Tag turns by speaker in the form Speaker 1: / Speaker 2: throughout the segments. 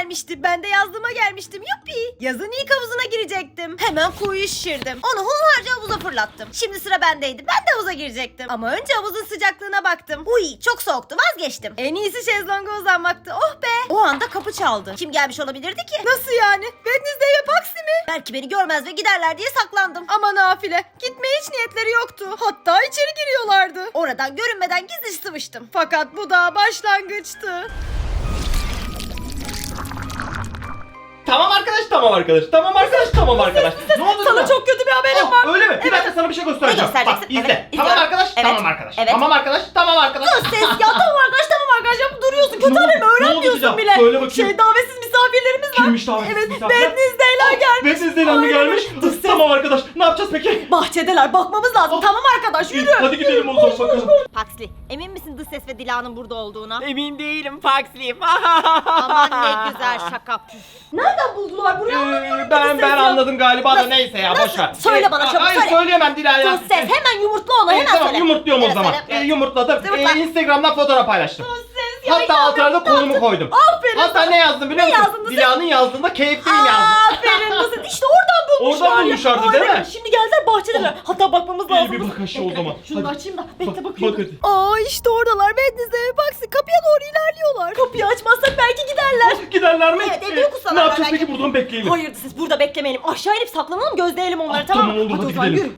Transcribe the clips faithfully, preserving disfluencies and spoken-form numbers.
Speaker 1: gelmişti. Ben de yazlıma gelmiştim. Yuppi. Yazın ilk havuzuna girecektim. Hemen kuyuyu şişirdim. Onu hunharca havuza fırlattım. Şimdi sıra bendeydi. Ben de havuza girecektim. Ama önce havuzun sıcaklığına baktım. Uy, çok soğuktu, vazgeçtim. En iyisi şezlonga uzanmaktı. Oh be. O anda kapı çaldı. Kim gelmiş olabilirdi ki? Nasıl yani? Wednesday ve Paxi mi? Belki beni görmez ve giderler diye saklandım. Ama nafile. Gitmeye hiç niyetleri yoktu. Hatta içeri giriyorlardı. Oradan görünmeden gizli sıvıştım. Fakat bu daha başlangıçtı.
Speaker 2: Tamam arkadaş, tamam arkadaş, tamam arkadaş, tamam arkadaş. Ne oldu
Speaker 1: Sana
Speaker 2: sana?
Speaker 1: çok kötü bir haberim
Speaker 2: Oh,
Speaker 1: var.
Speaker 2: öyle mi? Bir dakika sana bir şey göstereceğim.
Speaker 1: Ne göstereceksin?
Speaker 2: Bak izle.
Speaker 1: Evet,
Speaker 2: tamam
Speaker 1: izliyorum.
Speaker 2: arkadaş,
Speaker 1: Evet.
Speaker 2: tamam arkadaş.
Speaker 1: Evet.
Speaker 2: Tamam arkadaş, tamam arkadaş.
Speaker 1: Sus ses ya, tamam arkadaş, tamam arkadaş, ya duruyorsun. Kötü
Speaker 2: Ne oldu?
Speaker 1: haberimi
Speaker 2: Ne oldu
Speaker 1: öğrenmiyorsun
Speaker 2: Dila?
Speaker 1: bile.
Speaker 2: Söyle bakayım.
Speaker 1: Şey, davetsiz misafirlerimiz var.
Speaker 2: Kimmiş davetsiz
Speaker 1: Evet,
Speaker 2: misafirler?
Speaker 1: Wednesday'ler gelmiş.
Speaker 2: Wednesday'den mi
Speaker 1: Aynen
Speaker 2: gelmiş?
Speaker 1: öyle. Dur ses.
Speaker 2: Tamam arkadaş, ne yapacağız peki?
Speaker 1: Bahçedeler, bakmamız lazım.
Speaker 2: Oh.
Speaker 1: Tamam arkadaş,
Speaker 2: İyi,
Speaker 1: yürü.
Speaker 2: hadi gidelim o zaman bakalım.
Speaker 1: Paxli, emin misin Dış Ses ve Dila'nın burada olduğuna?
Speaker 3: Emin değilim Paxli.
Speaker 1: Aman ne güzel şaka. Nereden buldular burayı?
Speaker 2: Ee, ben ben anladım galiba da
Speaker 1: Nasıl?
Speaker 2: neyse ya,
Speaker 1: Nasıl?
Speaker 2: boş ver.
Speaker 1: Söyle bana, çabuk
Speaker 2: Hayır,
Speaker 1: söyle.
Speaker 2: söyleyemem Dila'ya.
Speaker 1: Dış Ses, hemen yumurtla onu,
Speaker 2: Ee,
Speaker 1: hemen
Speaker 2: tamam
Speaker 1: söyle.
Speaker 2: yumurtluyorum o
Speaker 1: Evet,
Speaker 2: zaman.
Speaker 1: söyle,
Speaker 2: Ee,
Speaker 1: evet.
Speaker 2: yumurtladım.
Speaker 1: Yumurtla.
Speaker 2: Ee, Instagram'dan fotoğraf paylaştım.
Speaker 1: Dış Ses, ya
Speaker 2: Hatta
Speaker 1: inanmıyorum,
Speaker 2: altına da
Speaker 1: ne
Speaker 2: konumu
Speaker 1: yaptın?
Speaker 2: koydum.
Speaker 1: Aferin.
Speaker 2: Hatta ne yazdım biliyor
Speaker 1: Ne
Speaker 2: musun?
Speaker 1: yazdın Dış Ses?
Speaker 2: Dila'nın yazdığında keyifliyim yazdım.
Speaker 1: Aferin Dış Ses, işte oradan bulmuşlar.
Speaker 2: Oradan
Speaker 1: ya.
Speaker 2: bulmuşlardı, değil
Speaker 1: Aynen.
Speaker 2: mi?
Speaker 1: Şimdi geldiler bahçedeler. Hatta bakmamız
Speaker 2: İyi
Speaker 1: lazım.
Speaker 2: bir bak aşağı o
Speaker 1: Bekle,
Speaker 2: zaman.
Speaker 1: Şunu
Speaker 2: Hadi.
Speaker 1: açayım da. Bekle
Speaker 2: Bak,
Speaker 1: bakıyorum.
Speaker 2: bak hadi.
Speaker 1: Aa işte oradalar. Wednesday ve Paxi kapıya doğru ilerliyorlar. Kapıyı açmazsak belki giderler.
Speaker 2: Giderler mi?
Speaker 1: Evet, evde
Speaker 2: Ee,
Speaker 1: yokuz sana
Speaker 2: Ne yapacağız
Speaker 1: belki.
Speaker 2: peki, buradan bekleyelim.
Speaker 1: Hayır Dış Ses, burada beklemeyelim. Aşağı inip saklanalım, gözleyelim onları,
Speaker 2: Ah,
Speaker 1: tamam mı?
Speaker 2: tamam, olur, hadi
Speaker 1: o zaman
Speaker 2: gidelim.
Speaker 1: yürü.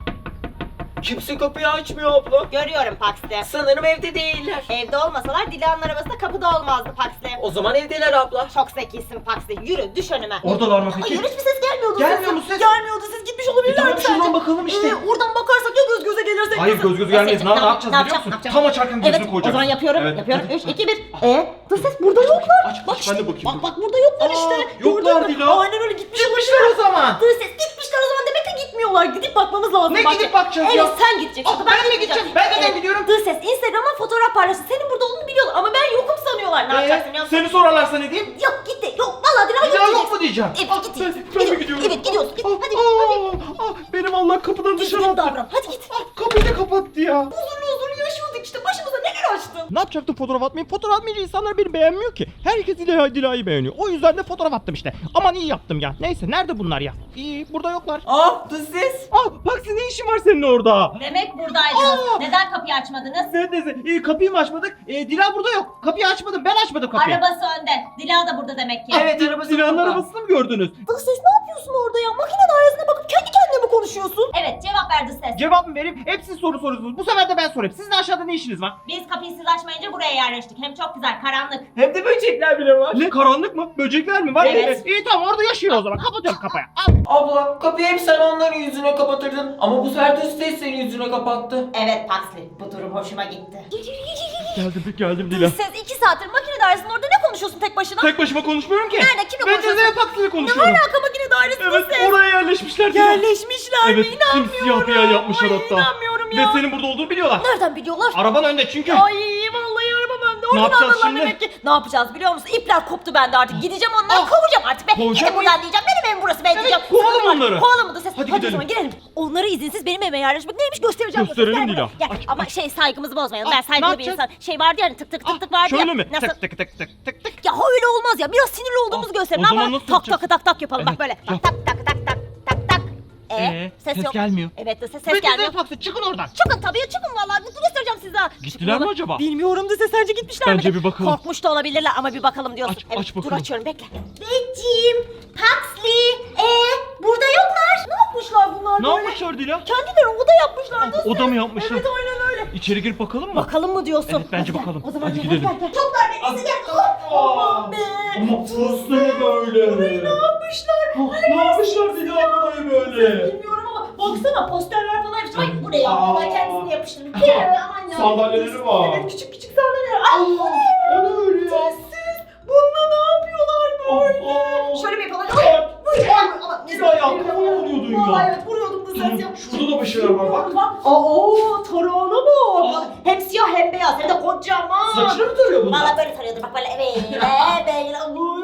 Speaker 3: Kimse kapıyı açmıyor abla.
Speaker 1: Görüyorum Paxi.
Speaker 3: Sanırım evde değiller.
Speaker 1: Evde olmasalar Dila'nın arabası kapıda olmazdı Paxi.
Speaker 3: O zaman evdeler abla.
Speaker 1: Çok zekisin Paxi. Yürü, düş önüme.
Speaker 2: Oradalar mı peki?
Speaker 1: Hayır, hiçbir ses gelmiyordu.
Speaker 2: Gelmiyor mu ses?
Speaker 1: Gelmiyordu ses. Gitmiş olabilirler
Speaker 2: E tamam,
Speaker 1: mi
Speaker 2: şuradan
Speaker 1: sence?
Speaker 2: bakalım işte.
Speaker 1: Ee, oradan bakarsak ya göz göze gelirsek.
Speaker 2: Hayır,
Speaker 1: nasıl?
Speaker 2: göz göz gelmeyiz. Ne, ne yapacağız biliyor
Speaker 1: yapacağım,
Speaker 2: musun?
Speaker 1: ne yapacağım?
Speaker 2: Tam açarken gözünü
Speaker 1: Evet,
Speaker 2: koyacağız.
Speaker 1: o zaman yapıyorum.
Speaker 2: Evet,
Speaker 1: yapıyorum.
Speaker 2: hadi,
Speaker 1: üç,
Speaker 2: hadi.
Speaker 1: iki, bir. Ee, Dış Ses burada yoklar.
Speaker 2: Aç,
Speaker 1: Bak
Speaker 2: aç, ben de
Speaker 1: işte,
Speaker 2: bakayım.
Speaker 1: Bak bak burada yoklar
Speaker 2: Aa,
Speaker 1: işte.
Speaker 2: yoklar
Speaker 1: Gördün mü?
Speaker 2: Dila.
Speaker 1: Aynen öyle, gitmiş
Speaker 2: Gitmişler o zaman.
Speaker 1: Dış Ses, gitmişler o zaman, demek ki gitmiyorlar. Gidip bakmamız lazım.
Speaker 2: Ne
Speaker 1: Bahçe.
Speaker 2: gidip bakacağız
Speaker 1: evet,
Speaker 2: ya?
Speaker 1: Evet, sen gideceksin.
Speaker 2: Aa, ben mi gideceğim? Ben neden gidiyorum?
Speaker 1: Dış Ses Instagram'a fotoğraf paylaştı. Senin burada olduğunu biliyorlar ama ben yokum sanıyorlar. Ne yapacaksın biliyor
Speaker 2: Ee,
Speaker 1: musun?
Speaker 2: seni sorarlarsa ne diyeyim?
Speaker 1: Yok gitti. Yok vallahi Dila
Speaker 2: Bir daha yok
Speaker 1: gideceksin.
Speaker 2: mu diyeceğim?
Speaker 1: Evet
Speaker 2: Ah,
Speaker 1: git.
Speaker 2: ben,
Speaker 1: Gidiyoruz.
Speaker 2: ben mi gidiyorum?
Speaker 1: Evet gidiyoruz. Git.
Speaker 2: Ah,
Speaker 1: Hadi.
Speaker 2: ah,
Speaker 1: hadi.
Speaker 2: ah, benim Allah kapıdan dışarı
Speaker 1: Düzgün
Speaker 2: attı.
Speaker 1: davran. Hadi git.
Speaker 2: Ah, kapıyı da kapattı ya.
Speaker 1: Huzurlu huzurlu yaşıyorduk işte. Başımıza neler açtın?
Speaker 2: Ne yapacaktım fotoğraf atmayı? Fotoğraf atmayınca insanlar beni beğenmiyor ki. Herkes Dila, Dila'yı beğeniyor. O yüzden de fotoğraf attım işte. Aman iyi yaptım ya. Neyse, nerede bunlar ya? İyi, burada yoklar.
Speaker 3: Ah Dış Ses.
Speaker 2: Ah, Paxi, ne işin var senin orada?
Speaker 1: Demek buradaydınız.
Speaker 2: Aa!
Speaker 1: Neden kapıyı açmadınız?
Speaker 2: Ne neyse, iyi, kapıyı mı açmadık? Ee, Dila burada yok. Kapıyı açmadım, ben açmadım kapıyı.
Speaker 1: Arabası önde. Dila da burada demek ki.
Speaker 3: Evet, arabası
Speaker 2: Dila'nın
Speaker 3: burada.
Speaker 2: arabasını mı gördünüz?
Speaker 1: Dış Ses ne yapıyorsun orada ya? Makine dairesine bakıp kendi kendine mi konuşuyorsun? Evet, cevap ver Dış Ses.
Speaker 2: Cevap mı vereyim? Hep siz soru soruyorsunuz. Bu sefer de ben sorayım. Sizin aşağıda ne işiniz var?
Speaker 1: Biz kapıyı siz açmayınca buraya yerleştik. Hem çok güzel, karanlık.
Speaker 3: Hem de böcekler bile var.
Speaker 2: Ne, karanlık mı? Böcekler mi var?
Speaker 1: Evet.
Speaker 2: İyi tamam, orada yaşıyor o zaman. Kapatıyorum kapıyı. Al.
Speaker 3: Abla kapıyı hep sen onların yüzüne kapatırdın. Ama bu sefer Dış Ses senin yüzüne kapattı.
Speaker 1: Evet Paxli, bu durum hoşuma gitti.
Speaker 2: Geldim, geldim Dila.
Speaker 1: Dış Ses iki saattir makine dairesinin orada ne konuşuyorsun tek başına?
Speaker 2: Tek başıma konuşmuyorum ki.
Speaker 1: Nerede? Kimle
Speaker 2: Ben
Speaker 1: konuşuyorsun?
Speaker 2: Cezayir Paksi'yle
Speaker 1: Ne
Speaker 2: konuşuyorum.
Speaker 1: alaka makine dairesinde
Speaker 2: Evet,
Speaker 1: ses?
Speaker 2: oraya yerleşmişler Dila.
Speaker 1: Yerleşmişler mi?
Speaker 2: Evet,
Speaker 1: İnanmıyorum.
Speaker 2: simsiyah bir yer yapmışlar
Speaker 1: Ay,
Speaker 2: hatta.
Speaker 1: İnanmıyorum
Speaker 2: Ve
Speaker 1: ya.
Speaker 2: senin burada olduğunu biliyorlar.
Speaker 1: Nereden biliyorlar?
Speaker 2: Araban önde çünkü.
Speaker 1: Ay vallahi arabam önde. Oradan
Speaker 2: yapacağız
Speaker 1: anladılar
Speaker 2: şimdi?
Speaker 1: demek ki. Ne yapacağız biliyor musun? İpler koptu bende artık. Gideceğim onları
Speaker 2: Ah.
Speaker 1: kovacağım artık be.
Speaker 2: Kovacak
Speaker 1: Gidin buradan diyeceğim. Benim evim burası be diyeceğim.
Speaker 2: kovalım
Speaker 1: Sıkıldım
Speaker 2: onları.
Speaker 1: artık. Kovalım da ses.
Speaker 2: Hadi
Speaker 1: Hadi,
Speaker 2: gidelim.
Speaker 1: o zaman girelim. Onları izinsiz benim evime yerleşmek neymiş göstereceğim.
Speaker 2: Gösterelim
Speaker 1: Gel
Speaker 2: Dila.
Speaker 1: buraya. Gel.
Speaker 2: Aç,
Speaker 1: Ama
Speaker 2: aç.
Speaker 1: şey saygımızı bozmayalım.
Speaker 2: Ah,
Speaker 1: Ben
Speaker 2: ne
Speaker 1: saygılı bir
Speaker 2: yapacağız?
Speaker 1: insan. Şey vardı yani tık tık tık tık vardı ya.
Speaker 2: Şöyle mi?
Speaker 1: Nasıl?
Speaker 2: Tık tık tık tık tık tık.
Speaker 1: Ya öyle olmaz ya. Biraz sinirli olduğumuzu
Speaker 2: Ah,
Speaker 1: gösterin.
Speaker 2: o zaman
Speaker 1: Ama
Speaker 2: nasıl
Speaker 1: tak
Speaker 2: yapacağız?
Speaker 1: tak tak tak yapalım bak
Speaker 2: Evet,
Speaker 1: böyle.
Speaker 2: yap.
Speaker 1: Tak tak tak tak tak tak. Ee,
Speaker 2: Ee,
Speaker 1: ses,
Speaker 2: ses
Speaker 1: yok.
Speaker 2: gelmiyor.
Speaker 1: Evet de ses,
Speaker 2: Ve
Speaker 1: ses gelmiyor.
Speaker 2: Cezayir Paksi, çıkın oradan.
Speaker 1: Çıkın tabii çıkın vallahi. Bu göstereceğim size.
Speaker 2: Gittiler
Speaker 1: Çıkın
Speaker 2: mi
Speaker 1: oğlum.
Speaker 2: acaba?
Speaker 1: Bilmiyorum da ses, sence gitmişler mi?
Speaker 2: Bence bir bakalım.
Speaker 1: Korkmuş da olabilirler ama bir bakalım diyorsun.
Speaker 2: Aç,
Speaker 1: evet,
Speaker 2: aç
Speaker 1: dur
Speaker 2: bakalım.
Speaker 1: açıyorum bekle. Becim, Paxli, ee burada yoklar. Ne yapmışlar bunlar
Speaker 2: Ne
Speaker 1: böyle?
Speaker 2: yapmışlar Dila?
Speaker 1: Kendileri oda yapmışlar.
Speaker 2: Ah, oda mı yapmışlar?
Speaker 1: Evet aynen öyle.
Speaker 2: İçeri girip bakalım mı?
Speaker 1: Bakalım mı diyorsun?
Speaker 2: Evet, bence
Speaker 1: Hadi gel.
Speaker 2: bakalım.
Speaker 1: O zaman
Speaker 2: Hadi
Speaker 1: gel,
Speaker 2: gidelim.
Speaker 1: Gel, gel. Çok dar nefesi gel. Hop, aman be.
Speaker 2: Ama burası ne böyle?
Speaker 1: Burayı ne yapmışlar?
Speaker 2: Ah, ne yapmışlar Dila burayı böyle?
Speaker 1: Bilmiyorum ama baksana posterler falan yapmışlar. Ay bu ne ya?
Speaker 2: Aa.
Speaker 1: Ben kendisini yapıştırdım. Ee, aman ya.
Speaker 2: Sandalyeleri var.
Speaker 1: Evet küçük küçük sandalyeler. Ay bu ne?
Speaker 2: O ne öyle ya?
Speaker 1: Sessiz. Bununla ne yapıyorlar böyle?
Speaker 2: Aa.
Speaker 1: Şöyle bir yapalım. Ay, ay, ay, ama ne
Speaker 2: Dila ya, kafana vuruyordun ya.
Speaker 1: Vallahi evet vuruyordum da ses yap.
Speaker 2: Şurada da bir şeyler var bak.
Speaker 1: Aa tarağına bak.
Speaker 2: Aa.
Speaker 1: Hem siyah hem beyaz hem de kocaman.
Speaker 2: Saçını mı tarıyor bunlar?
Speaker 1: Valla böyle tarıyordu bak böyle evet böyle. Ay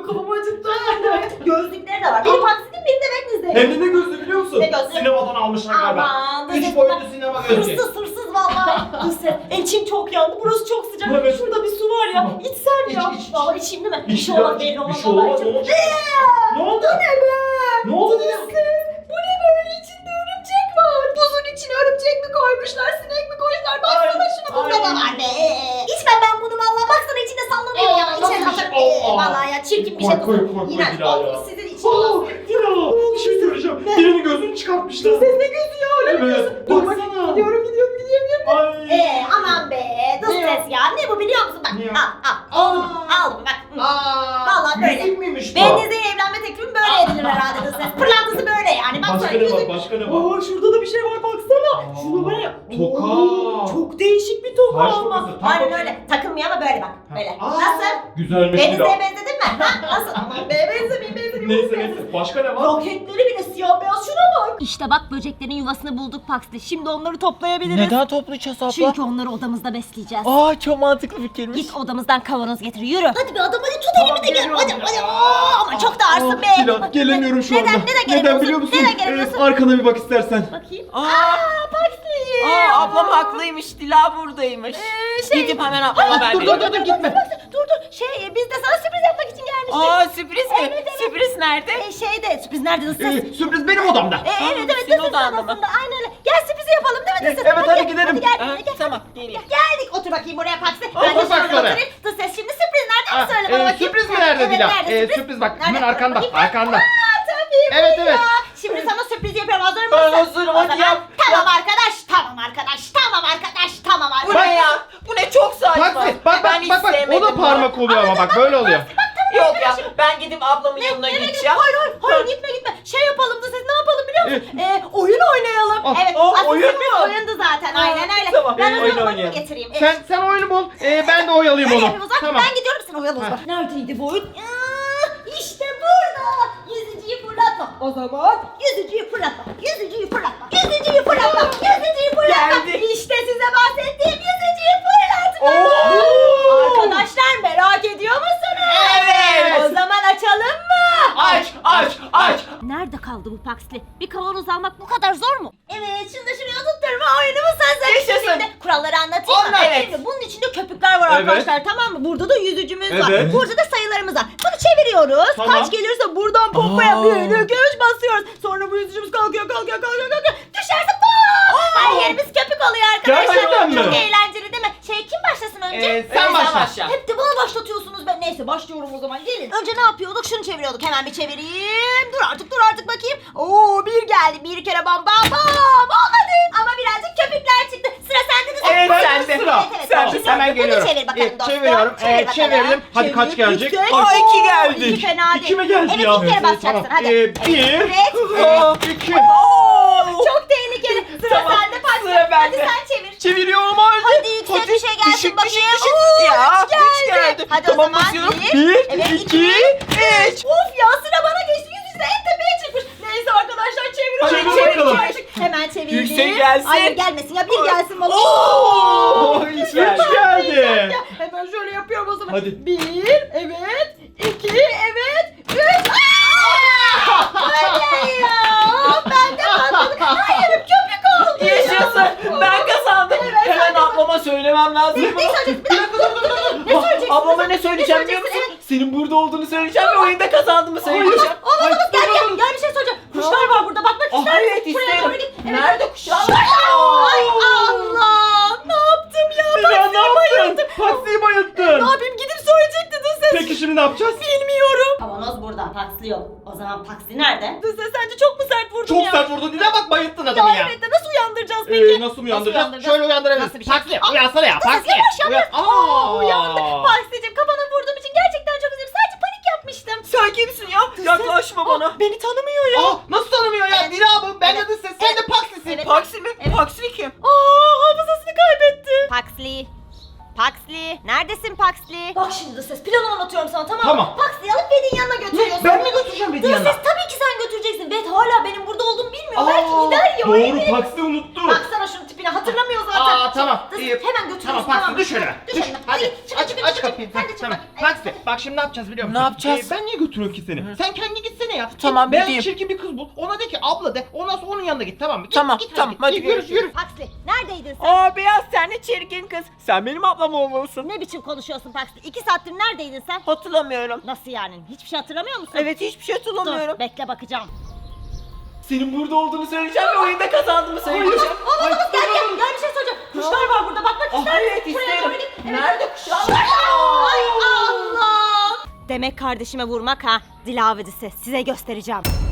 Speaker 1: kafamı acıttı. Gözlükleri de var. Benim Paksi'nin benim de Wednesday.
Speaker 2: Hem de ne gözlü biliyor musun?
Speaker 1: Ne gözlü?
Speaker 2: Sinemadan almışlar galiba.
Speaker 1: Aman.
Speaker 2: Üç boyutlu sinema gözlüğü.
Speaker 1: Hırsız hırsız valla. Hırsız. İçim çok yandı. Burası çok sıcak.
Speaker 2: Evet.
Speaker 1: Şurada bir su var ya.
Speaker 2: Tamam.
Speaker 1: İçsem ya.
Speaker 2: İç, iç, iç.
Speaker 1: Valla içeyim değil mi?
Speaker 2: İç
Speaker 1: Bir şey
Speaker 2: ya,
Speaker 1: olmaz
Speaker 2: iç.
Speaker 1: belli olmaz.
Speaker 2: Bir şey olmaz,
Speaker 1: Vallahi
Speaker 2: ne
Speaker 1: içim-
Speaker 2: olacak? Ne oldu?
Speaker 1: Bu ne be?
Speaker 2: Ne oldu diye?
Speaker 1: Bu ne böyle? İçinde örümcek var. Buzun içine örümcek mi koymuşlar? Sinek mi koymuşlar? Baksana
Speaker 2: Ay,
Speaker 1: şuna. Bunda da
Speaker 2: ay.
Speaker 1: var be. İçmem ben bunu valla. Baksana içinde sallanıyor ya.
Speaker 2: Nasıl
Speaker 1: İçine
Speaker 2: bir şey?
Speaker 1: katarım. Ee,
Speaker 2: Allah.
Speaker 1: Valla ya çirkin bir şey.
Speaker 2: Koy, koy, koy, koy
Speaker 1: İğrenç.
Speaker 2: Dila ya.
Speaker 1: Bak, sizin içine
Speaker 2: Aa,
Speaker 1: basıyor.
Speaker 2: Dila, bir şey söyleyeceğim. Birinin gözünü çıkartmışlar.
Speaker 1: Ses ne gözü ya? Öyle mi
Speaker 2: Evet,
Speaker 1: diyorsun? Dur bak.
Speaker 2: baksana.
Speaker 1: Gidiyorum gidiyorum gidiyorum.
Speaker 2: Ay.
Speaker 1: Eee aman be. Dız
Speaker 2: Ne
Speaker 1: ses ya. Ne bu biliyor musun? Bak
Speaker 2: Ne?
Speaker 1: al al. Oldu mu? Aldım bak. Hı.
Speaker 2: Aa,
Speaker 1: Vallahi böyle.
Speaker 2: yüzük müymüş bu?
Speaker 1: Beniz'e evlenme teklifim böyle edilir herhalde dız ses. Pırlantası böyle yani. Bak
Speaker 2: Başka
Speaker 1: şöyle
Speaker 2: ne var?
Speaker 1: yüzük.
Speaker 2: Başka ne var?
Speaker 1: Aa şurada da bir şey var baksana.
Speaker 2: Aa,
Speaker 1: Şunu böyle.
Speaker 2: toka.
Speaker 1: Oo, çok değişik bir toka
Speaker 2: Taş
Speaker 1: ama.
Speaker 2: tokası, tam
Speaker 1: Aynen
Speaker 2: toka.
Speaker 1: öyle. Takılmıyor ama böyle bak. Böyle.
Speaker 2: Aa,
Speaker 1: Nasıl?
Speaker 2: Güzelmiş
Speaker 1: Beniz'e
Speaker 2: Dila.
Speaker 1: benzedin mi? Ha? Nasıl? Aman be benzemeyeyim benzemeyeyim.
Speaker 2: Neyse neyse. Başka ne var?
Speaker 1: Roketleri bile siyah beyaz şuna bak. İşte bak böceklerin yuvasını bulduk Pax'te. Şimdi onları toplayabiliriz.
Speaker 3: Neden toplayacağız abla?
Speaker 1: Çünkü onları odamızda besleyeceğiz.
Speaker 3: Aa çok mantıklı fikirmiş.
Speaker 1: Git odamızdan kavanoz getir yürü. Hadi bir adam hadi tut
Speaker 2: Tamam,
Speaker 1: elimi de gel.
Speaker 2: geliyorum
Speaker 1: Hadi
Speaker 2: ya.
Speaker 1: hadi. Aa, ama çok da ağırsın be.
Speaker 2: Dila,
Speaker 1: Bak,
Speaker 2: gelemiyorum şu
Speaker 1: neden,
Speaker 2: anda.
Speaker 1: Neden gelemiyorsun?
Speaker 2: biliyor musun?
Speaker 1: Neden gelemiyorsun?
Speaker 2: Ee, arkana bir bak istersen.
Speaker 1: Bakayım.
Speaker 3: Aa,
Speaker 1: Aa Paxi.
Speaker 3: aa ablam haklıymış. Dila buradaymış.
Speaker 1: Ee, şey-
Speaker 3: Gidip hemen ablama haber
Speaker 2: dur, dur,
Speaker 3: veriyorum.
Speaker 2: dur, dur, gitme.
Speaker 1: Dur dur. Şey biz de sana sürpriz yapmak için gelmiştik.
Speaker 3: Aa sürpriz mi?
Speaker 1: Evet, evet.
Speaker 3: Sürpriz nerede?
Speaker 1: Ee, şeyde sürpriz nerede ısır?
Speaker 2: Ee, sürpriz benim odamda.
Speaker 1: Ee, evet evet
Speaker 3: senin
Speaker 1: ısır
Speaker 3: odanda mı?
Speaker 1: odasında. Aynen öyle. Gel sürprizi yapalım değil mi
Speaker 2: Ee,
Speaker 1: ısır?
Speaker 2: evet, hadi
Speaker 1: gel,
Speaker 2: gidelim.
Speaker 1: Hadi gel.
Speaker 3: Aa,
Speaker 1: hadi gel.
Speaker 3: tamam, geleyim.
Speaker 1: Geldik. Otur bakayım buraya Paxi.
Speaker 2: Otur
Speaker 1: Ben de
Speaker 2: bak
Speaker 1: şöyle
Speaker 2: şöyle.
Speaker 1: oturayım. Dur ses şimdi sürpriz nerede
Speaker 2: Ah,
Speaker 1: söyle
Speaker 2: e,
Speaker 1: bana bakayım.
Speaker 2: sürpriz mi nerede
Speaker 1: Evet,
Speaker 2: Dila?
Speaker 1: nerede
Speaker 2: Ee,
Speaker 1: sürpriz?
Speaker 2: sürpriz bak,
Speaker 1: Nerede?
Speaker 2: hemen arkanda,
Speaker 1: Bakayım.
Speaker 2: arkanda.
Speaker 1: Aa tabii bu
Speaker 2: Evet,
Speaker 1: ya.
Speaker 2: evet.
Speaker 1: Şimdi sana sürpriz yapıyorum. Hazır mısın?
Speaker 3: Ben hazırım,
Speaker 1: O
Speaker 3: hadi
Speaker 1: zaman
Speaker 3: yap,
Speaker 1: Tamam arkadaş. Tamam arkadaş. Tamam arkadaş. Tamam
Speaker 3: Bu
Speaker 1: arkadaş.
Speaker 3: ne ya? Bu ne çok saçma.
Speaker 2: Bak bak
Speaker 3: Ben
Speaker 2: bak
Speaker 3: hiç
Speaker 2: bak bak. O
Speaker 3: sevmedim
Speaker 2: da
Speaker 3: bunu.
Speaker 2: parmak oluyor ama bak böyle oluyor.
Speaker 3: Yok ya ben gidip ablamın yanına
Speaker 1: Nereye
Speaker 3: gideceğim.
Speaker 1: Hayır hayır hayır gitme gitme. Şey yapalım da siz ne yapalım biliyor musun? Ee, oyun oynayalım.
Speaker 2: Ah,
Speaker 1: evet.
Speaker 3: ah,
Speaker 1: aslında
Speaker 3: oyun
Speaker 1: sürpriz
Speaker 3: mu?
Speaker 1: oyundu zaten. Aynen öyle.
Speaker 3: Tamam,
Speaker 1: Ben
Speaker 3: ee,
Speaker 1: o
Speaker 3: oyun
Speaker 1: zaman
Speaker 3: oynayalım.
Speaker 1: getireyim. Evet.
Speaker 2: Sen sen oyunu bul. Ee, ben de oyalayayım
Speaker 1: Öyle
Speaker 2: onu.
Speaker 1: yapayım o zaman.
Speaker 2: Tamam.
Speaker 1: Ben gidiyorum sen oyalı o
Speaker 2: Ha.
Speaker 1: zaman. Neredeydi bu oyun? Aa, İşte burada. Yüzücüyü fırlatma. O zaman yüzücüyü fırlatma. Yüzücüyü fırlatma. Yüzücüyü fırlatma. Yüzücüyü fırlatma.
Speaker 3: Geldi.
Speaker 1: İşte size bahsettiğim yüzücüyü fırlatma.
Speaker 3: Oo.
Speaker 1: Arkadaşlar merak ediyor musunuz?
Speaker 3: Evet.
Speaker 1: O zaman açalım mı?
Speaker 3: Aç aç aç.
Speaker 1: Nerede kaldı bu Paxli? Bir kavanoz almak bu kadar zor mu? Evet, şunu da şuraya oturtturma oyunumuz hazır.
Speaker 3: Yaşasın.
Speaker 1: Şimdi kuralları anlatayım mı?
Speaker 3: Anlat. Evet.
Speaker 1: Şimdi bunun içinde köpükler var
Speaker 2: Evet.
Speaker 1: arkadaşlar, tamam mı? Burada da yüzücümüz var.
Speaker 2: Evet.
Speaker 1: Burada da sayılarımız var. Bunu çeviriyoruz.
Speaker 2: Tamam.
Speaker 1: Kaç gelirse buradan pompaya
Speaker 3: Aa.
Speaker 1: bir, iki, üç basıyoruz. Sonra bu yüzücümüz kalkıyor, kalkıyor, kalkıyor, kalkıyor. Düşerse bam! Her yerimiz köpük oluyor arkadaşlar.
Speaker 2: Gerçekten mi?
Speaker 1: Çok eğlenceli değil mi? Şey kim başlasın önce?
Speaker 3: Ee,
Speaker 2: Sen
Speaker 3: sen
Speaker 2: başla.
Speaker 3: başla.
Speaker 1: Hep de bana başlatıyorsunuz ben. Neyse başlıyorum o zaman gelin. Önce ne yapıyorduk? Şunu çeviriyorduk. Hemen bir çevireyim. Dur artık dur artık bakayım. Oo bir geldi. Bir kere bam bam bam. Olmadı. Ama birazcık köpükler çıktı. Sıra sende de.
Speaker 3: Evet,
Speaker 2: Ben
Speaker 3: sende.
Speaker 2: de sıra.
Speaker 1: Evet, evet.
Speaker 2: Tamam,
Speaker 1: Şimdi
Speaker 2: hemen
Speaker 1: bunu
Speaker 2: geliyorum.
Speaker 1: çevir bakalım
Speaker 2: Ee,
Speaker 1: dostum.
Speaker 2: çeviriyorum.
Speaker 1: Çevir
Speaker 2: Ee,
Speaker 1: bakalım.
Speaker 2: çevirelim. Hadi kaç
Speaker 1: Çevir.
Speaker 2: gelecek?
Speaker 1: Üç,
Speaker 2: Aa,
Speaker 1: dört.
Speaker 3: iki
Speaker 1: Oo,
Speaker 3: geldi.
Speaker 1: İki fena değil.
Speaker 2: İki mi geldi
Speaker 1: evet,
Speaker 2: ya?
Speaker 1: iki kere
Speaker 2: Evet,
Speaker 1: basacaksın.
Speaker 2: tamam.
Speaker 1: Hadi.
Speaker 2: Ee, bir.
Speaker 1: Evet.
Speaker 2: Aa, iki.
Speaker 3: Oo.
Speaker 1: Çok tehlikeli. Sıra
Speaker 3: Tamam,
Speaker 1: sende Paxi.
Speaker 3: sıra
Speaker 1: Hadi
Speaker 3: bende.
Speaker 1: sen çevir.
Speaker 2: Çeviriyorum hadi.
Speaker 1: Hadi yüksek bir şey gelsin
Speaker 3: düşük,
Speaker 1: bakayım.
Speaker 3: düşük, düşük.
Speaker 1: Oo,
Speaker 3: Ya,
Speaker 1: üç geldi.
Speaker 3: üç geldi.
Speaker 1: Hadi
Speaker 3: Tamam,
Speaker 1: o zaman
Speaker 3: basıyorum.
Speaker 1: bir.
Speaker 2: Bir,
Speaker 1: Evet,
Speaker 2: iki, üç.
Speaker 1: Of ya sıra bana geçti. Yüz yüze en tepeye çıkmış. Neyse arkadaşlar çeviriyorum.
Speaker 2: Hadi
Speaker 1: Çevir,
Speaker 2: bakalım.
Speaker 1: çevir. Hemen çevirdim.
Speaker 3: Yüksek gelsin.
Speaker 1: Hayır gelmesin ya bir gelsin bana.
Speaker 3: Oo,
Speaker 2: üç
Speaker 3: üç geldi.
Speaker 2: geldi.
Speaker 1: Ya, hemen şöyle yapıyorum o zaman.
Speaker 2: Hadi.
Speaker 1: Bir evet. iki evet. Üç. Aa! Hayır ya. Ben de patladım. Hayır köpük oldu.
Speaker 3: Yaşasın. Ben kazandım.
Speaker 1: Evet,
Speaker 3: Hemen
Speaker 1: hadi.
Speaker 3: ablama söylemem lazım.
Speaker 1: Ne söyleyeceksin? Bir dakika dur dur dur. Ne söyleyeceksin?
Speaker 3: Ablama ne söyleyeceğim biliyor musun?
Speaker 1: söyleyeceksin?
Speaker 3: Senin burada olduğunu söyleyeceğim ve oyunda kazandığımı söyleyeceğim.
Speaker 1: Olmaz olmaz
Speaker 2: Ay,
Speaker 1: gel
Speaker 2: dur,
Speaker 1: gel
Speaker 2: dur.
Speaker 1: gel bir şey soracağım. Kuşlar var burada bak bak
Speaker 3: Ah,
Speaker 1: kuşlar.
Speaker 3: evet,
Speaker 1: Buraya
Speaker 3: isterim.
Speaker 1: doğru git. Evet.
Speaker 3: Nerede kuşlar?
Speaker 1: Ay Allah ne yaptım ya
Speaker 2: Ya
Speaker 1: ben
Speaker 2: ne yaptın? Paksiyi bayılttın.
Speaker 1: Ne yapayım gidip söyleyecekti dur ses.
Speaker 2: Peki şimdi ne yapacağız?
Speaker 1: Bilmiyorum. Kavanoz burada Paxli yok. O zaman Paxli nerede? Dur ses sence çok mu sert vurdum
Speaker 2: Çok
Speaker 1: ya?
Speaker 2: sert vurdun Dila bak bayılttın
Speaker 1: Ya
Speaker 2: adamı ya.
Speaker 1: evet de nasıl uyandıracağız peki?
Speaker 2: Ee, nasıl uyandıracağız?
Speaker 1: uyandıracağız?
Speaker 2: Şöyle uyandırabiliriz.
Speaker 1: Nasıl bir şey?
Speaker 2: Paksi
Speaker 1: Aa,
Speaker 2: uyansana ya.
Speaker 1: dur ses,
Speaker 2: Paksi.
Speaker 1: yavaş yavaş.
Speaker 2: Uyan-
Speaker 1: Aa,
Speaker 2: Aa.
Speaker 1: uyandı. Paksi'cim kafana vurduğum için gerçekten çok üzüldüm. Sadece panik yapmıştım.
Speaker 3: Sen kimsin ya? Yaklaşma bana.
Speaker 1: Beni tanımıyor ya.
Speaker 2: Aa, nasıl tanımıyor ya?
Speaker 1: Evet.
Speaker 2: Dila bu. Ben
Speaker 1: Evet.
Speaker 2: de ses. Sen de
Speaker 1: Evet.
Speaker 2: Paksi'sin.
Speaker 1: Evet.
Speaker 3: Paksi mi?
Speaker 1: Evet.
Speaker 3: Paksi kim?
Speaker 1: Aa hafızasını kaybetti. Paxli. Paxli. Neredesin Paxli? Bak şimdi ses planı anlatıyorum sana tamam mı?
Speaker 2: Tamam.
Speaker 1: Paxli'yi alıp Bedin yanına götürüyorsun.
Speaker 2: Ben mi götüreceğim Bedin yanına?
Speaker 1: Ses tabii ki sen götüreceksin. Bed hala benim burada olduğumu bilmiyor. Belki
Speaker 2: Aa,
Speaker 1: gider ya.
Speaker 2: Doğru
Speaker 1: evet.
Speaker 2: Paksi unuttu.
Speaker 1: Baksana şunun tipine hatırlamıyor zaten.
Speaker 2: Aa, tamam.
Speaker 1: Dur,
Speaker 2: İyi.
Speaker 1: hemen götürüyorsun.
Speaker 2: Tamam Paxi düş önüme.
Speaker 1: Düş
Speaker 2: Düş.
Speaker 1: önüme.
Speaker 2: Hadi
Speaker 1: çık,
Speaker 2: aç
Speaker 1: çık,
Speaker 2: aç
Speaker 1: çık,
Speaker 2: kapıyı.
Speaker 1: çık. Sen de çık
Speaker 2: Tamam.
Speaker 1: bak.
Speaker 2: Paxi bak şimdi ne yapacağız biliyor musun?
Speaker 3: Ne yapacağız?
Speaker 2: Ee, ben niye götürüyorum ki seni? Sen kendi gitsene ya.
Speaker 3: Tamam,
Speaker 2: Git, beyaz
Speaker 3: gideyim.
Speaker 2: çirkin bir kız bul. Ona de ki abla de. Ondan sonra onun yanına git tamam mı? Git,
Speaker 3: Tamam,
Speaker 2: git,
Speaker 3: tamam, hadi
Speaker 2: Git, yürü
Speaker 3: görüşürüz.
Speaker 2: yürü.
Speaker 1: Paxi neredeydin sen?
Speaker 3: Aa beyaz sen de çirkin kız. Sen benim ablam olmalısın.
Speaker 1: Ne biçim konuşuyorsun Paxi? İki saattir neredeydin sen?
Speaker 3: Hatırlamıyorum.
Speaker 1: Nasıl yani? Hiçbir şey hatırlamıyor musun?
Speaker 3: Evet hiçbir şey hatırlamıyorum.
Speaker 1: Dur bekle bakacağım.
Speaker 3: Senin burada olduğunu söyleyeceğim ve oyunda kazandığımı söyleyeceğim.
Speaker 1: Oğlum gel gel gel bir şey soracağım. Kuşlar var burada bak bak
Speaker 3: Ah,
Speaker 1: kuşlar.
Speaker 3: evet,
Speaker 1: Şuraya
Speaker 3: isterim.
Speaker 1: doğru git. Evet.
Speaker 3: Nerede kuşlar?
Speaker 1: Ay Allah. Demek kardeşime vurmak ha. Dilavedisi size göstereceğim.